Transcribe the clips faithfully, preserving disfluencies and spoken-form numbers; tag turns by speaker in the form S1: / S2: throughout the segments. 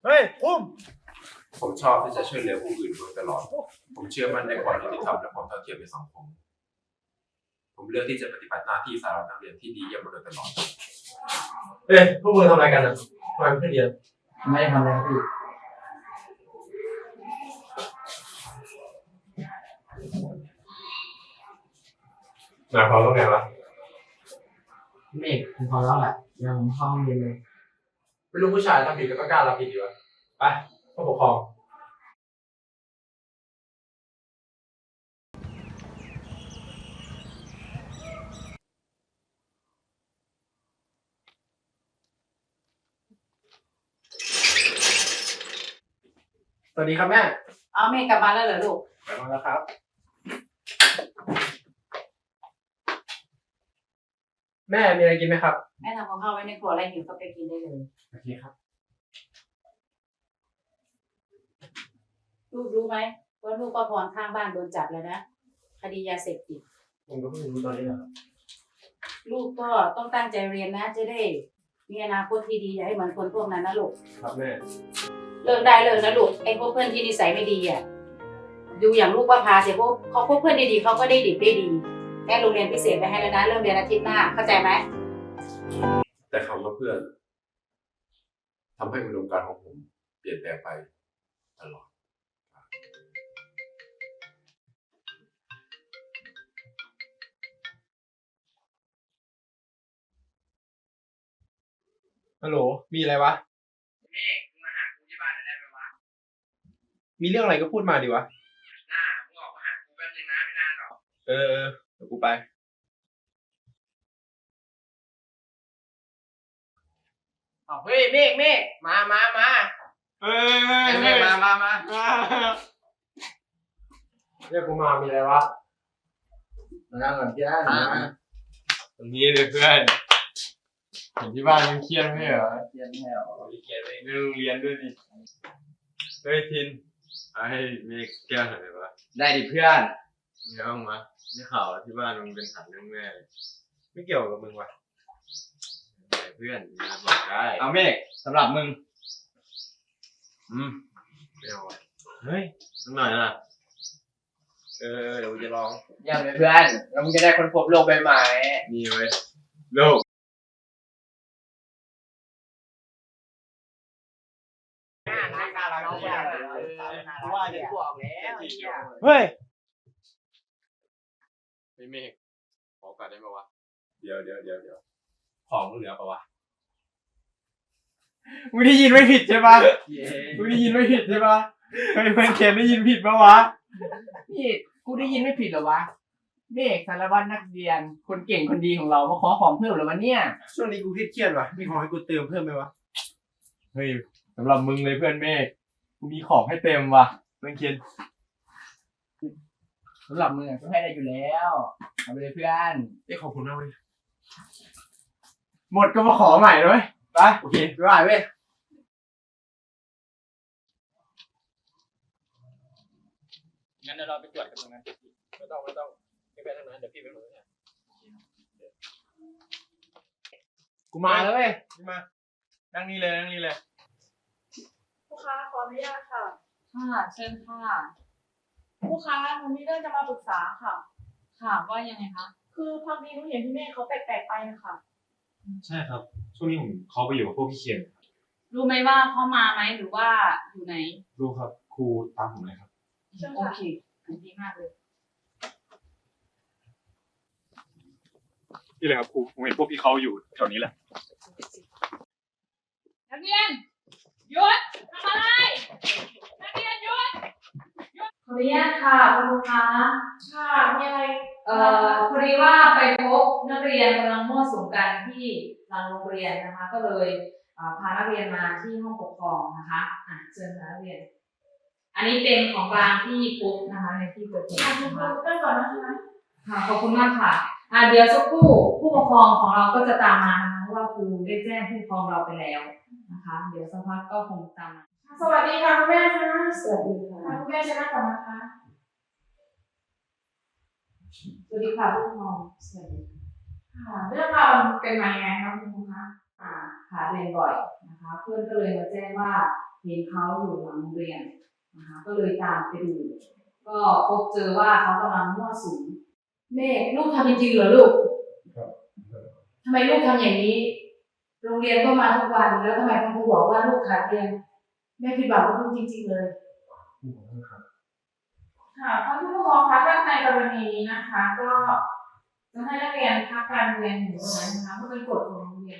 S1: เฮ้ยพุ่ม
S2: ผมชอบที่จะช่วยเหลือผู้อื่นโดยตลอดผมเชื่อมั่นในความยุติธรรมและความเท่าเทียมในสังคมผมเลือกที่จะปฏิบัติหน้าที่สารวัตรนักเรียนที่ดีเยี่ยมมาโดยตลอด
S1: เฮ้ยพวกมึงทำอะไรกันอ่ะทำไมไม่เรียน
S3: ไม่ได้ทำอะไรพี่
S1: หมายความว่าไงวะ
S3: เมฆคุณพอแล้วแหละยังเข้าห้องเรียนเลย
S1: ไม่รู้ผู้ชายทำผิดก็กล้ารับผิดดีวะไปผู้ปกครองสวัสดีครับแม่
S4: เอาเมฆกลับมาแล้วเหรอลูก
S1: กลับมาแล้วครับแม่มีอะไรกินไหมครับ
S4: แม่ทำกับข้าวไว้ในครัวอะไรหิวก็ไปกินได้เลย
S1: โอเคครับ
S4: ลูกรู้ไหมว่าลูกป้าพรข้างบ้านโดนจับแล้วนะคดียาเสพติด
S1: ผมก็เพิ่งรู้ตอนนี้แหละครับ
S4: ลูกก็ต้องตั้งใจเรียนนะจะได้มีอนาคตที่ดีอย่าให้เหมือนคนพวกนั้นนะลูก
S1: ครับแม่
S4: เลิกได้เลิกนะลูกไอ้พวกเพื่อนที่นิสัยไม่ดีอ่ะดูอย่างลูกว่าพาเสียพวกเขาพวกเพื่อนดีๆเขาก็ได้ดีได้ดีแม่โรงเรียนพิเศษไปให้แล้วนะเริ่มเรียนอาทิตย์หน้าเข้าใจไหม
S2: แต่คำว่าเพื่อนทำให้อุดมการณ์ของผมเปลี่ยนแปลงไปตลอด
S1: ฮัลโหลมีอะไรวะ
S3: เมฆมึงมาหากูที่บ้านหน่อยได้ไหมวะ
S1: มีเรื่องอะไรก็พูดมาดิวะ
S3: หน้ามึงออกมาหากูแป๊บนึงนะไม่นานหรอก
S1: เออเออเดี๋ยวกูไป
S3: อ๋อเฮ้ยเมฆเมฆมามามา
S1: เฮ้ย
S3: เมฆมามามา
S1: เรียกกูมามีอะไรวะ
S3: มานั่งก่อนพี่ได้นะ
S1: ตรงนี้เลยเพื่อนเห็นที่บ้านมึงเครียดไหมเหรอ
S3: เครียดไม่หรอ
S1: เครียดเลยเรื่องเรียนด้วยดิเฮ้ยทินให้เมฆแก้วหน่อยวะ
S3: ได้ดิเพื่อน
S1: มีห้องมาได้ข่าวที่บ้านมึงเป็นฐานเรื่องแม่ไม่เกี่ยวกับมึงวะเพื่อนมาบอกได้
S3: เอาเมฆสำหรับมึง
S1: อืมไม่เอาเฮ้ยสักหน่อยนะเออเดี๋ยวกูจะลอง
S3: ยังเลยเพื่อนแล้วมึงจะได้ค้นพบโลกใบใหม่
S1: มีไว้โลก
S3: ว่าเดี๋ยวบอกแล้ว
S1: เฮ้ยไม่เมฆขอโอกาสได้ไหมวะ
S2: เดี๋ยวเดี๋ยวเดี๋ยวเดี๋ยวของเหลือปะวะ
S1: มึงได้ยินไม่ผิดใช่ปะมึงได้ยินไม่ผิดใช่ปะเฮ้ยเพื่อนเขียนได้ยินผิดปะวะ
S3: นี่กูได้ยินไม่ผิดเหรอวะเมฆสารวัตรนักเรียนคนเก่งคนดีของเรามาขอของเพิ่มเหรอวะเนี่ย
S1: ช่วงนี้กูเครียดๆว่ะมีของให้กูเติมเพิ่มไหมวะเฮ้ยสำหรับมึงเลยเพื่อนเมฆกูมีของให้เต็มว่ะเพื่อนเขียน
S3: สำหรับมึงก็ให้ได้อยู่แล้วเอาไปเลยเพื่อน
S1: เอ้ขอบคุณมากเลยหมดก็มาขอใหม่เลยไปโอเคไปไหวเว้ยงั้นเดี๋ยวเราไปตรวจกันตรงนั้นไม่ต้องไม่ต้องไม่ไปทางนั้นเดี๋ยวพี่ไปตรงนั้นกูมาแล้วเว้ยมานั่งนี่เลยนั่งนี่เลย
S5: ผู้ค้าขออนุญาตค่ะ
S4: ค่ะเชิญค่ะ
S5: ผู้ค้าหนูมีเรื่องจะมาปรึกษาค่ะ
S4: ค่ะว่ายังไงคะ
S5: คือพักนี้หนูเห็นพี่เมฆเขาแปลกๆไปนะคะ
S1: ใช่ครับช่วงนี้ผมเขาไปอยู่กับพวกพี่เคียน
S4: รู้ไหมว่าเขามาไหมหรือว่าอยู่ไหน
S1: รู้ครับครูตามผมเลยครับ
S4: โอเคดีมากเลย
S1: นี่เลยครับครูผมเห็นพวกพี่เขาอยู่แถวนี้แหละ
S4: นักเรียนหยุดทำอะไรนักเรียนหยุดหยุดขออนุญาตค่ะคุณครูคะ
S5: ค่ะมีอะไร
S4: เอ่อพอดีว่าไปพบนักเรียนกำลังมั่วสุมกันที่หลังโรงเรียนนะคะก็เลยพานักเรียนมาที่ห้องปกครองนะคะอ่ะเชิญนักเรียนอันนี้เป็นของกลางที่พบนะคะในที่เกิดเหตุนะคะ
S5: เริ่มก่อนนะคะ
S4: ค่ะขอบคุณมากค่ะอ่าเดี๋ยวสักครู่ผู้ปกครองของเราก็จะตามมานะคะเพราะว่าครูได้แจ้งผู้ปกครองเราไปแล้วนะคะเดี๋ยวสักพักก็คงตามมา
S5: สวัสดีค่ะคุณแม่ค่ะ
S4: สวัสดีค่ะ
S5: คุณแม่ชนะก่อนนะคะ
S4: สวัสดีค่ะผู้ปกครองสวัสดี
S5: ค่ะเรื่องราวเป็นมายังไงคะคุณครูคะ
S4: อ่าค่ะเรียนบ่อยนะคะเพื่อนก็เลยมาแจ้งว่าเห็นเขาอยู่หลังโรงเรียนนะคะก็เลยตามไปดูก็พบเจอว่าเขากำลังมั่วสุมเมฆลูกทำจริงๆเหรอลูกทำไมลูกทำอย่างนี้โรงเรียนก็มาทุกวันแล้วทำไมคุณครูบอกว่าลูกขาดเรียนแม่ผิดหวังกับลูกจริงๆเลยค่ะท่านผู้ปกครองคะถ้าในกรณีนี้นะคะ ก็จะให้นักเรียนพักการเรียนอยู่ตรงนั้นนะคะเพราะเป็นกฎของโรงเรียน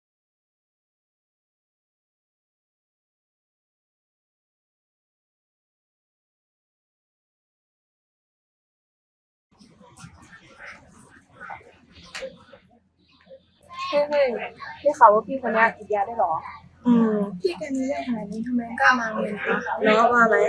S5: เฮ้ยเฮ้ยได้ข่าวว่าพี่คนนี้ติดยาได้หรอ
S6: อืมพี่แกมีเรื่องขนาดนี้ทำไมกล้ามาเรียนคะน้องว่าไหม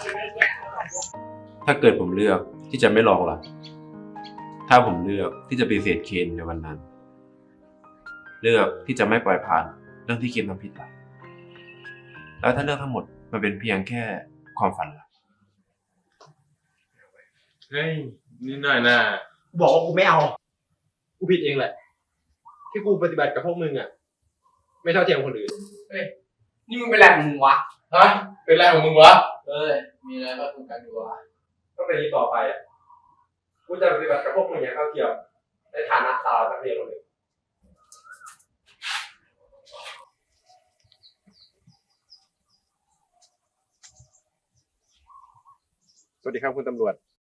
S2: ถ้าเกิดผมเลือกที่จะไม่ลองล่ะ ถ้าผมเลือกที่จะปฏิเสธเคนในวันนั้น เลือกที่จะไม่ปล่อยผ่านเรื่องที่เคนทำผิดล่ะ แล้วถ้าเรื่องทั้งหมดมันเป็นเพียงแค่ความฝันล่ะ
S1: เฮ้ยนิดหน่อยนะบอกว่ากูไม่เอา กูผิดเองแหละ ที่กูปฏิบัติกับพวกมึงอ่ะ ไม่เท่าเทียมคนอื่น
S3: นี่มึงเป็นอะไรของมึงวะ
S1: ฮะ เป็นไรของมึงวะ
S3: เอ้ยมีอะไรก็คุยกันดีกว่า
S1: ก็เป็นนี้ต่อไปอ่ะ กูจะปฏิบัติกับพวกมึงอย่างเท่าเทียมในฐานะสาวนักเรียนคนหนึ่งสวัสดีครับคุณตำรวจ